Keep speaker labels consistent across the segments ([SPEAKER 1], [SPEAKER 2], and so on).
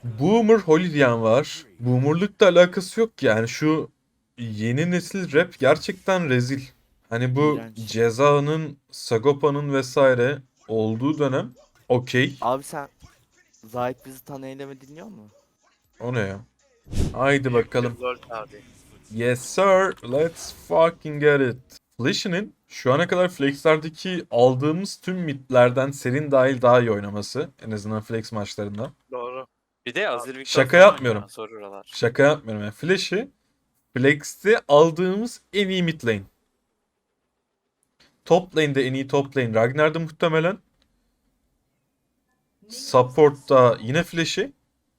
[SPEAKER 1] Boomer Holly diyen var. Boomer'lıkla alakası yok yani. Şu yeni nesil rap gerçekten rezil. Hani bu
[SPEAKER 2] İğrenç.
[SPEAKER 1] Ceza'nın, Sagopa'nın vesaire olduğu dönem okey.
[SPEAKER 2] Abi sen Zahit bizi tan eyleme dinliyor mu?
[SPEAKER 1] O ne ya? Haydi
[SPEAKER 3] Büyük bir
[SPEAKER 1] bakalım.
[SPEAKER 3] lol abi.
[SPEAKER 1] Yes sir, let's fucking get it. Flash'inin şu ana kadar Flex'lerdeki aldığımız tüm midlerden Serin dahil daha iyi oynaması. En azından Flex maçlarında.
[SPEAKER 3] Doğru.
[SPEAKER 4] Bir de Azir Victor
[SPEAKER 1] Şaka
[SPEAKER 4] falan
[SPEAKER 1] yapmıyorum.
[SPEAKER 4] oynuyor. Soruyorlar.
[SPEAKER 1] Şaka yapmıyorum yani. Flash'i Flex'te aldığımız en iyi mid lane. Top lane'de en iyi top lane Ragnar'da muhtemelen. Support'ta yine Flash'i.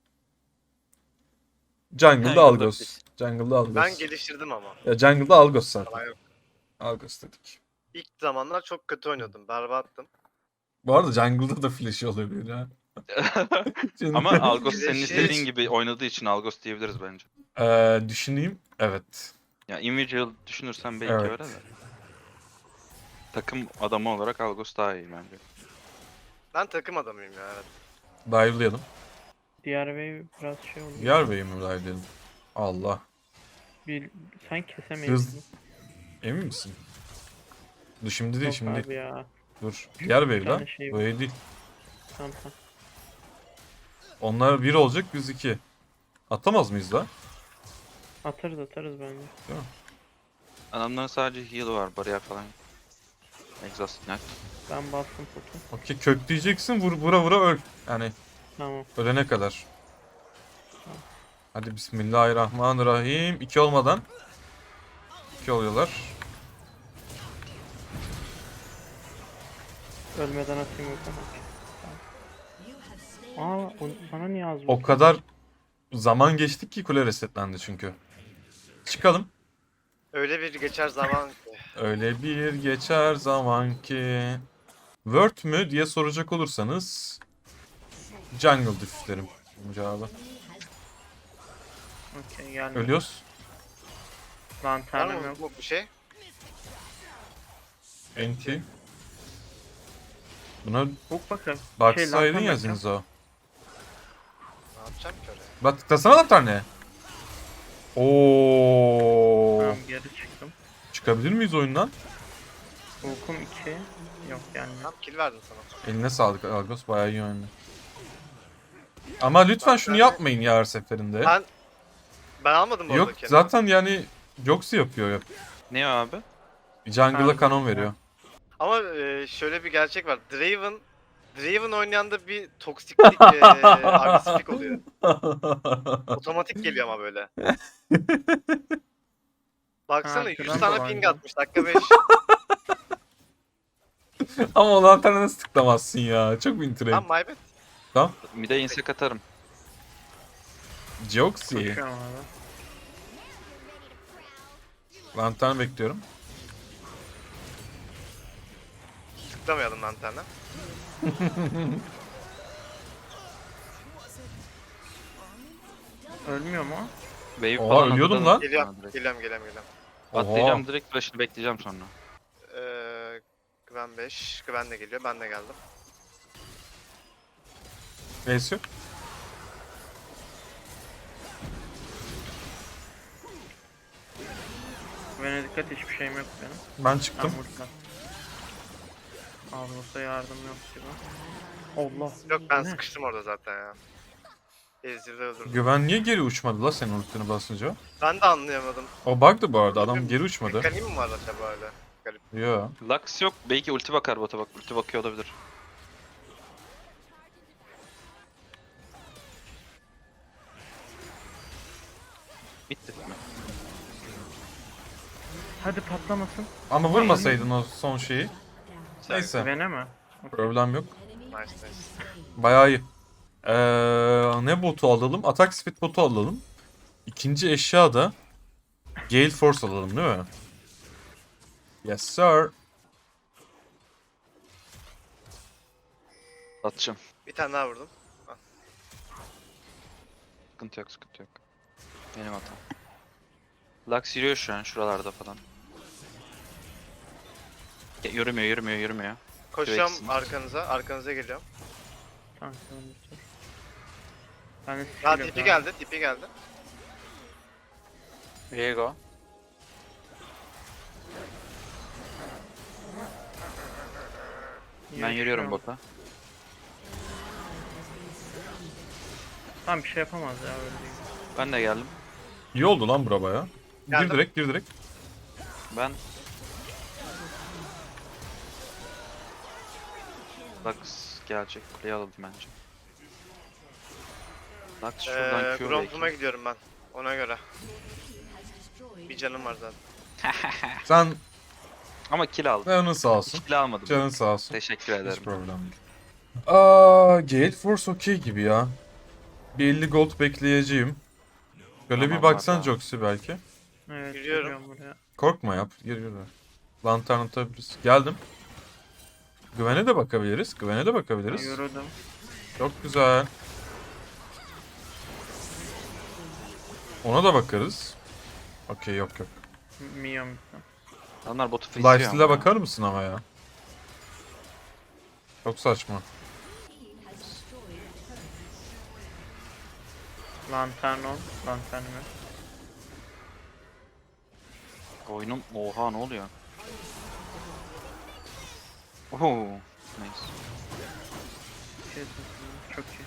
[SPEAKER 1] Jungle'da
[SPEAKER 4] Jungle'da
[SPEAKER 1] Algos.
[SPEAKER 4] Flash.
[SPEAKER 1] Jungle'da Algos.
[SPEAKER 3] Ben geliştirdim ama.
[SPEAKER 1] Ya Jungle'da Algos zaten.
[SPEAKER 3] Yalan yok.
[SPEAKER 1] Algos dedik.
[SPEAKER 3] İlk zamanlar çok kötü oynadım. Berbattım.
[SPEAKER 1] Bu arada Jungle'da da Flash'i olabilir ha.
[SPEAKER 5] Ama Algos senin
[SPEAKER 3] Flash'i-
[SPEAKER 5] istediğin gibi oynadığı için Algos diyebiliriz bence.
[SPEAKER 1] Düşüneyim. Evet.
[SPEAKER 5] Ya individual düşünürsen belki
[SPEAKER 1] Evet.
[SPEAKER 5] öyle de. Takım adamı olarak Algos daha iyi bence.
[SPEAKER 3] Ben takım adamıyım ya, evet.
[SPEAKER 1] Dive'layalım.
[SPEAKER 6] Diğer wave biraz şey oldu.
[SPEAKER 1] Diğer Bey'i mi dive'layalım? Allah.
[SPEAKER 6] Bir, sen kesemeyiz.
[SPEAKER 1] Hız- Emin misin? Dur şimdi değil
[SPEAKER 6] Yok
[SPEAKER 1] şimdi
[SPEAKER 6] abi
[SPEAKER 1] değil.
[SPEAKER 6] ya.
[SPEAKER 1] Dur. Diğer Bey
[SPEAKER 6] Bir
[SPEAKER 1] lan.
[SPEAKER 6] tane şey
[SPEAKER 1] Bu
[SPEAKER 6] var.
[SPEAKER 1] ev değil.
[SPEAKER 6] Tamam tamam.
[SPEAKER 1] Onlar 1 olacak biz 2. Atamaz mıyız da?
[SPEAKER 6] Atarız bence.
[SPEAKER 5] Adamların sadece heal var, bariyer falan. Exhaust Knight.
[SPEAKER 6] Ben bastım potu.
[SPEAKER 1] Okey kökleyeceksin vura vura öl. Yani
[SPEAKER 6] Tamam.
[SPEAKER 1] ölene kadar. Hadi bismillahirrahmanirrahim. 2 olmadan. 2 oluyorlar.
[SPEAKER 6] Ölmeden atayım yok ama. Aa bana niye az
[SPEAKER 1] O kadar zaman geçtik ki kule resetlendi çünkü. Çıkalım.
[SPEAKER 3] Öyle bir geçer zaman ki.
[SPEAKER 1] Öyle bir geçer zaman ki. Word mü diye soracak olursanız Jungle Diff derim bunun cevabı.
[SPEAKER 6] Okey geldi.
[SPEAKER 1] Ölüyoruz.
[SPEAKER 3] Var
[SPEAKER 6] Lanternim
[SPEAKER 3] mı
[SPEAKER 6] yok.
[SPEAKER 3] bu bir şey?
[SPEAKER 1] Enti. Buna
[SPEAKER 6] Bak bakalım.
[SPEAKER 1] baksaydın
[SPEAKER 6] lantern
[SPEAKER 1] ya
[SPEAKER 6] bakacağım.
[SPEAKER 1] Zinzo.
[SPEAKER 3] Ne yapacağım ki oraya?
[SPEAKER 1] Bak tıklasana da tane. Oo.
[SPEAKER 6] Tamam geri çıktım.
[SPEAKER 1] Çıkabilir miyiz oyundan?
[SPEAKER 6] Hukum 2. Yok yani.
[SPEAKER 3] Tam kill verdim sana.
[SPEAKER 1] Eline sağlık Argos bayağı iyi oynadı. Ama lütfen şunu yapmayın ya her seferinde.
[SPEAKER 3] Ben almadım bu
[SPEAKER 1] Yok
[SPEAKER 3] arada kendimi.
[SPEAKER 1] zaten yani Joxy yapıyor.
[SPEAKER 5] Ne o abi?
[SPEAKER 1] Jungle'a
[SPEAKER 6] Ha,
[SPEAKER 1] kanon
[SPEAKER 6] ya.
[SPEAKER 1] veriyor.
[SPEAKER 3] Ama şöyle bir gerçek var. Draven oynayanda bir toksiklik, agresiflik oluyor. Otomatik geliyor ama böyle. Baksana
[SPEAKER 6] Ha,
[SPEAKER 3] 100
[SPEAKER 6] şuradan
[SPEAKER 3] tane
[SPEAKER 6] dolan
[SPEAKER 3] ping
[SPEAKER 6] ya.
[SPEAKER 3] atmış. Dakika 5.
[SPEAKER 1] Ama o lanterne nasıl tıklamazsın ya? Çok winter
[SPEAKER 3] Tamam, my bad.
[SPEAKER 1] Tamam.
[SPEAKER 5] Mid'e insek atarım.
[SPEAKER 1] Joxy.
[SPEAKER 6] Koşuyorum abi.
[SPEAKER 1] Lantern bekliyorum.
[SPEAKER 3] Tıklamayalım lanterne.
[SPEAKER 6] Ölmüyor mu?
[SPEAKER 5] Wave
[SPEAKER 1] Oha,
[SPEAKER 5] falan
[SPEAKER 1] ölüyordum
[SPEAKER 5] hazırladım.
[SPEAKER 1] lan.
[SPEAKER 3] Geliyorum,
[SPEAKER 5] Ha, direkt.
[SPEAKER 3] geliyorum.
[SPEAKER 5] Atlayacağım direkt flash'ını bekleyeceğim sonra.
[SPEAKER 3] Güven 5. Güven de geliyor. Ben de geldim.
[SPEAKER 1] Neyse yok.
[SPEAKER 6] Bana dikkat hiçbir şeyim yok benim.
[SPEAKER 1] Ben
[SPEAKER 6] Ben
[SPEAKER 1] çıktım.
[SPEAKER 6] burada. Ağzımızda yardım yok gibi. Allah.
[SPEAKER 3] Yok, ben
[SPEAKER 6] Ne?
[SPEAKER 3] sıkıştım orada zaten ya. Ezreal'ı öldürdüm.
[SPEAKER 1] Güven niye geri uçmadı la senin ultini basınca?
[SPEAKER 3] Ben de anlayamadım.
[SPEAKER 1] O bug'dı bu arada. Adam geri uçmadı.
[SPEAKER 3] Mekaniği mi var acaba öyle?
[SPEAKER 1] Yo.
[SPEAKER 5] Lux yok. Belki ulti bakar bota bak. Ulti bakıyor olabilir. Bitti mi?
[SPEAKER 6] Hadi patlamasın.
[SPEAKER 1] Ama vurmasaydın o son şeyi. Neyse.
[SPEAKER 6] Güvene mi?
[SPEAKER 1] Problem yok.
[SPEAKER 3] Nice nice.
[SPEAKER 1] Bayağı iyi. Ne botu alalım? Attack speed botu alalım. İkinci eşya da Gale Force alalım değil mi? Yes sir.
[SPEAKER 5] Atacağım.
[SPEAKER 3] Bir tane daha vurdum.
[SPEAKER 5] Sıkıntı yok, sıkıntı yok. Benim hatam. Lux yürüyor şu an şuralarda falan. Ya, yürümüyor.
[SPEAKER 3] Koşacağım
[SPEAKER 5] Eksin.
[SPEAKER 3] arkanıza. Arkanıza geliyorum.
[SPEAKER 6] Tamam tamam dur. Ben de
[SPEAKER 3] Ya
[SPEAKER 6] skill yok
[SPEAKER 3] tipi
[SPEAKER 6] abi.
[SPEAKER 3] geldi, tipi geldi.
[SPEAKER 4] Viego.
[SPEAKER 5] Ben yürüyorum bota.
[SPEAKER 6] Tamam bir şey yapamaz ya öyle değil.
[SPEAKER 5] Ben de geldim.
[SPEAKER 1] İyi oldu lan bura baya. Gir
[SPEAKER 3] Geldim.
[SPEAKER 1] direkt, gir direkt.
[SPEAKER 5] Ben... Lux gelecek. Kuleyi alalım bence. Lux şuradan Q
[SPEAKER 3] Gromp'uma
[SPEAKER 5] belki.
[SPEAKER 3] gidiyorum ben. Ona göre. Bir canım var zaten.
[SPEAKER 1] Sen
[SPEAKER 5] Ama kill aldım.
[SPEAKER 1] canın sağ olsun.
[SPEAKER 5] Kill almadım.
[SPEAKER 1] Canın sağ olsun.
[SPEAKER 5] Teşekkür
[SPEAKER 1] Hiç
[SPEAKER 5] ederim.
[SPEAKER 1] problem değil. Gale Force okey gibi ya. Bir 50 gold bekleyeceğim. Böyle
[SPEAKER 5] Tamam
[SPEAKER 1] bir baksan
[SPEAKER 5] abi.
[SPEAKER 1] Joxy belki.
[SPEAKER 6] Evet
[SPEAKER 3] Yürüyorum.
[SPEAKER 6] yürüyorum buraya.
[SPEAKER 1] Korkma yap. Gir gir. Lantern atabiliriz. Geldim. Güvene de bakabiliriz. Güvene de bakabiliriz.
[SPEAKER 6] Yürüdüm.
[SPEAKER 1] Çok güzel. Ona da bakarız. Okey yok yok.
[SPEAKER 6] Minyon bitti.
[SPEAKER 5] Onlar botu fizliyor
[SPEAKER 1] Lifesteal'e
[SPEAKER 5] ama.
[SPEAKER 1] bakar mısın ama ya? Çok saçma.
[SPEAKER 6] Lantern on. Lantern mi?
[SPEAKER 5] Oyunun... Oha ne oluyor? Oho. Nice.
[SPEAKER 6] Şey tuttum, çok iyi.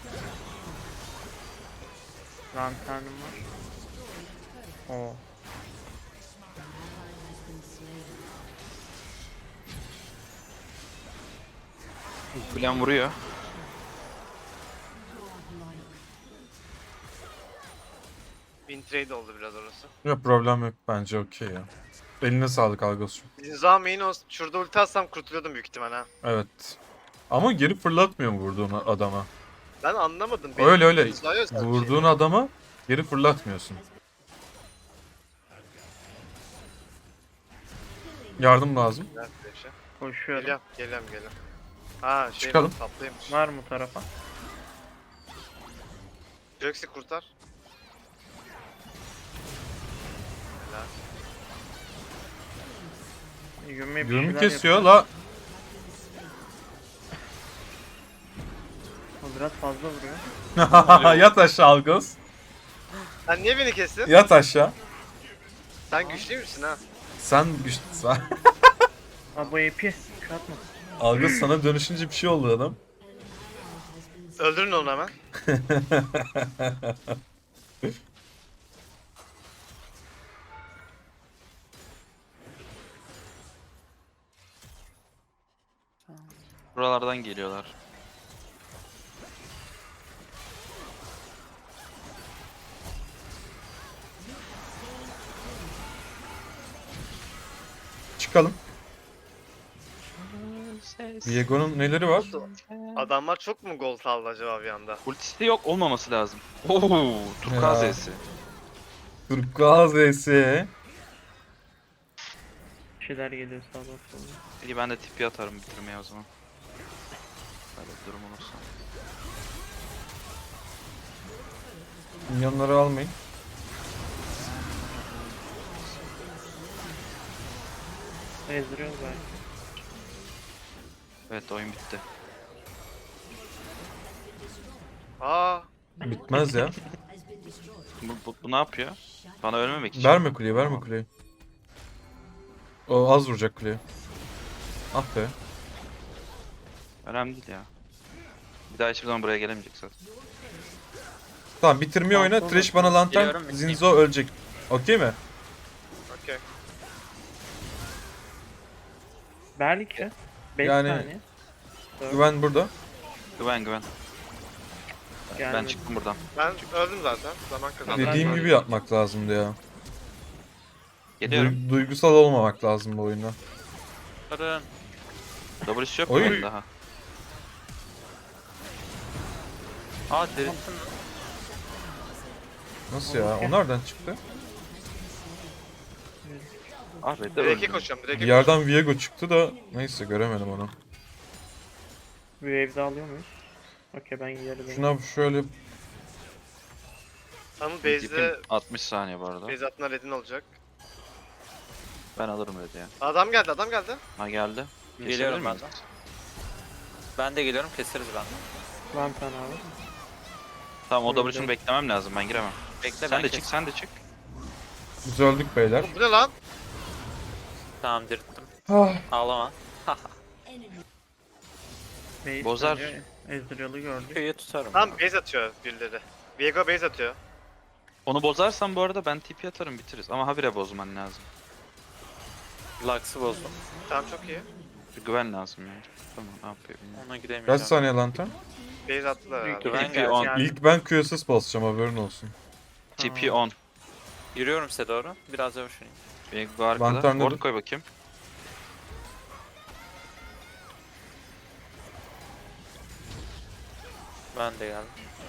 [SPEAKER 6] Lanternim var. Oo.
[SPEAKER 5] Kulem vuruyor.
[SPEAKER 3] Win trade oldu biraz orası.
[SPEAKER 1] Yok problem yok bence okey ya. Eline sağlık Algos'cum.
[SPEAKER 3] Zinza main olsun. Şurada ulti atsam kurtuluyordum büyük ihtimal ha.
[SPEAKER 1] Evet. Ama geri fırlatmıyor mu vurduğun adama?
[SPEAKER 3] Ben anlamadım.
[SPEAKER 1] Öyle öyle.
[SPEAKER 3] Zinza'ya özel bir şey.
[SPEAKER 1] Vurduğun adama geri fırlatmıyorsun. Yardım lazım.
[SPEAKER 3] Güzel bir şey.
[SPEAKER 6] Koşuyorum.
[SPEAKER 3] Geliyorum. Ha şey
[SPEAKER 1] Çıkalım.
[SPEAKER 3] tatlıymış.
[SPEAKER 6] Var mı tarafa?
[SPEAKER 3] Joxy kurtar. Helal.
[SPEAKER 6] Yumi bir
[SPEAKER 1] Yürümü
[SPEAKER 6] şeyler
[SPEAKER 1] kesiyor
[SPEAKER 6] yapıyor.
[SPEAKER 1] la.
[SPEAKER 6] O biraz fazla vuruyor.
[SPEAKER 1] Yat aşağı Algos.
[SPEAKER 3] Sen niye beni kestin?
[SPEAKER 1] Yat aşağı.
[SPEAKER 3] Sen güçlü müsün ha?
[SPEAKER 1] Sen güçlüsün.
[SPEAKER 6] Aa bu AP. Şu atma.
[SPEAKER 1] Algos sana dönüşünce bir şey oldu adam.
[SPEAKER 3] Öldürün onu hemen.
[SPEAKER 5] Buralardan geliyorlar.
[SPEAKER 1] Çıkalım. Viego'nun neleri var?
[SPEAKER 3] Adamlar çok mu gol aldı acaba bir anda?
[SPEAKER 5] Ultisi yok olmaması lazım. Oo, Turkuaz
[SPEAKER 1] Ya.
[SPEAKER 5] Z'si.
[SPEAKER 1] Turkuaz Z'si.
[SPEAKER 6] Bir şeyler geliyor sağdan soldan.
[SPEAKER 5] İyi ben de tipi atarım bitirmeye o zaman. Böyle bir durum olursa.
[SPEAKER 1] Minyonları almayın.
[SPEAKER 6] Ezdiriyoruz belki.
[SPEAKER 5] Evet oyun bitti.
[SPEAKER 3] Aa,
[SPEAKER 1] Bitmez ya.
[SPEAKER 5] Bu ne yapıyor? Bana ölmemek için.
[SPEAKER 1] Verme kuleyi, verme kuleyi. O az vuracak kuleye. Ah be.
[SPEAKER 5] Önemli değil ya. Bir daha hiçbir zaman buraya gelemeyecek zaten.
[SPEAKER 1] Tamam bitirmeyi oyna.
[SPEAKER 6] Tamam,
[SPEAKER 1] Thresh bana lantern.
[SPEAKER 4] Geliyorum, bitireyim.
[SPEAKER 1] Zinzo ölecek. Okey mi?
[SPEAKER 3] okey.
[SPEAKER 6] Belki. 5
[SPEAKER 1] Yani-
[SPEAKER 6] saniye.
[SPEAKER 1] Güven burada.
[SPEAKER 5] Güven. Ben
[SPEAKER 6] Gelmedi.
[SPEAKER 5] çıktım buradan.
[SPEAKER 3] Ben öldüm zaten. Zaman kazandım.
[SPEAKER 1] Dediğim
[SPEAKER 6] ben-
[SPEAKER 1] gibi yapmak lazımdı ya.
[SPEAKER 5] Geliyorum.
[SPEAKER 1] Duygusal olmamak lazım bu oyunda.
[SPEAKER 4] Durun.
[SPEAKER 5] W'si yok
[SPEAKER 1] Oy.
[SPEAKER 5] mu benim daha?
[SPEAKER 4] Aa derin.
[SPEAKER 1] Nasıl ya? O nereden çıktı?
[SPEAKER 5] Ah be de
[SPEAKER 3] Direk'e
[SPEAKER 5] öldüm.
[SPEAKER 3] koşuyorum.
[SPEAKER 1] Bir
[SPEAKER 3] Direk'e
[SPEAKER 1] yerden Viego çıktı da neyse göremedim onu.
[SPEAKER 6] Bir wave'de alıyor muyuz? Okey ben geri dönüyorum.
[SPEAKER 1] Şuna şöyle
[SPEAKER 3] Ama
[SPEAKER 5] Tipim
[SPEAKER 3] base'de
[SPEAKER 5] 60 saniye bu arada.
[SPEAKER 3] base atına redin olacak.
[SPEAKER 5] Ben alırım dedi ya.
[SPEAKER 3] Adam geldi.
[SPEAKER 5] Ha geldi.
[SPEAKER 4] Geliyorum
[SPEAKER 5] Kesebilir
[SPEAKER 4] ben
[SPEAKER 5] miyiz?
[SPEAKER 4] de. Ben de geliyorum keseriz ben de.
[SPEAKER 6] Lantern abi.
[SPEAKER 5] Tamam o
[SPEAKER 6] Öyle.
[SPEAKER 5] W'sunu beklemem lazım, ben giremem.
[SPEAKER 4] Bekle
[SPEAKER 5] Sen
[SPEAKER 4] ben
[SPEAKER 5] de çık,
[SPEAKER 4] kes.
[SPEAKER 5] sen de çık.
[SPEAKER 1] Biz öldük beyler.
[SPEAKER 3] Bu ne lan?
[SPEAKER 4] Tamam dirilttim.
[SPEAKER 1] Ah,
[SPEAKER 4] Ağlama.
[SPEAKER 6] Base
[SPEAKER 5] Bozar.
[SPEAKER 6] bence Ezreal'ı gördük.
[SPEAKER 4] Köyü tutarım.
[SPEAKER 3] Tam base atıyor birileri. Viego base atıyor.
[SPEAKER 5] Onu bozarsan bu arada ben TP atarım, bitiririz. Ama habire bozman lazım.
[SPEAKER 4] Lux'ı bozdum.
[SPEAKER 3] Tamam çok iyi.
[SPEAKER 5] Bir güven lazım yani. Tamam, ne yapıyor bilmiyorum.
[SPEAKER 4] Ona gidemeyeceğim.
[SPEAKER 1] kaç saniye lantern?
[SPEAKER 3] Base attılar herhalde.
[SPEAKER 4] Güven
[SPEAKER 5] TP
[SPEAKER 4] geldi.
[SPEAKER 5] on.
[SPEAKER 6] Yani-
[SPEAKER 1] İlk ben QSS basacağım, haberin olsun.
[SPEAKER 5] TP on.
[SPEAKER 4] Yürüyorum size doğru. Biraz yavaş oynayayım.
[SPEAKER 5] Viego arkada.
[SPEAKER 1] Lantern'de
[SPEAKER 5] Ward
[SPEAKER 1] dur.
[SPEAKER 5] koy bakayım.
[SPEAKER 4] Ben de geldim.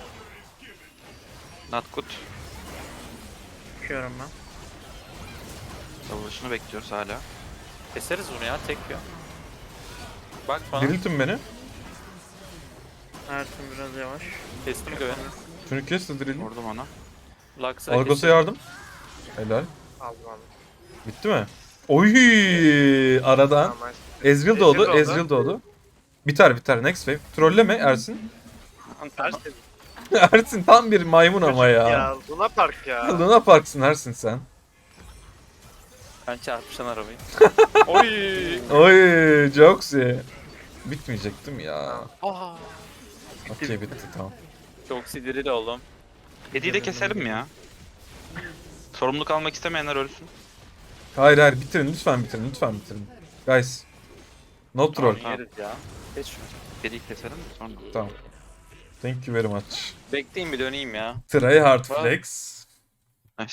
[SPEAKER 5] Not good.
[SPEAKER 6] Bakıyorum ben.
[SPEAKER 5] W'sunu bekliyoruz hala.
[SPEAKER 4] Keseriz bunu ya tek yiyor. Bak bana.
[SPEAKER 1] Diriltin beni.
[SPEAKER 6] Ersin biraz yavaş.
[SPEAKER 4] Kestim güveni.
[SPEAKER 1] Şunu kes de dirilin.
[SPEAKER 5] Vurdum ona.
[SPEAKER 4] Lux'a
[SPEAKER 1] Algos'a
[SPEAKER 4] kestim.
[SPEAKER 1] yardım. Helal.
[SPEAKER 3] Aldım aldım.
[SPEAKER 1] Bitti mi? Oy aradan.
[SPEAKER 3] Tamam, nice.
[SPEAKER 1] Ezreal doğdu,
[SPEAKER 3] Ezreal doğdu.
[SPEAKER 1] Ezreal doğdu. Biter biter, next wave. Trolleme Ersin.
[SPEAKER 3] Ersin.
[SPEAKER 1] Ersin tam bir maymun ama ya.
[SPEAKER 3] Ya Luna Park ya.
[SPEAKER 1] Luna Park'sın Ersin sen.
[SPEAKER 4] Ben çarpışan arabayı. Oy.
[SPEAKER 1] Oy Joxy. Bitmeyecektim ya.
[SPEAKER 4] Aa.
[SPEAKER 1] Okey bitti tamam.
[SPEAKER 4] Çok sinirli oldum.
[SPEAKER 5] Hediyi de keselim mi ya? Sorumluluk almak istemeyenler ölsün.
[SPEAKER 1] Hayır hayır bitirin lütfen bitirin lütfen bitirin. Guys. No troll.
[SPEAKER 4] Tamam, yeriz ya. Geç şunu.
[SPEAKER 5] Hediyi keselim de sonra.
[SPEAKER 1] Tamam. Thank you very much.
[SPEAKER 4] Bekleyin bir döneyim ya.
[SPEAKER 1] Try hard
[SPEAKER 4] Wow.
[SPEAKER 1] flex.
[SPEAKER 5] Nice.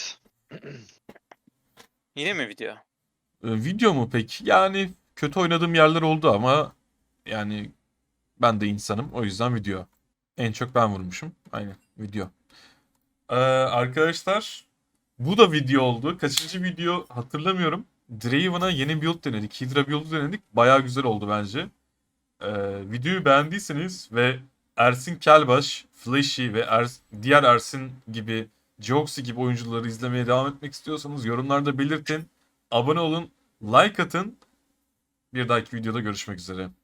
[SPEAKER 4] Yine mi video?
[SPEAKER 1] Video mu peki? Yani kötü oynadığım yerler oldu ama yani ben de insanım. O yüzden video. En çok ben vurmuşum. Aynen video. Arkadaşlar bu da video oldu. Kaçıncı video hatırlamıyorum. Draven'a yeni build denedik. Hydra build'u denedik. Bayağı güzel oldu bence. Videoyu beğendiyseniz ve Ersin Kelbaş, Flashy ve diğer Ersin gibi, Joxy gibi oyuncuları izlemeye devam etmek istiyorsanız yorumlarda belirtin. Abone olun, like atın. Bir dahaki videoda görüşmek üzere.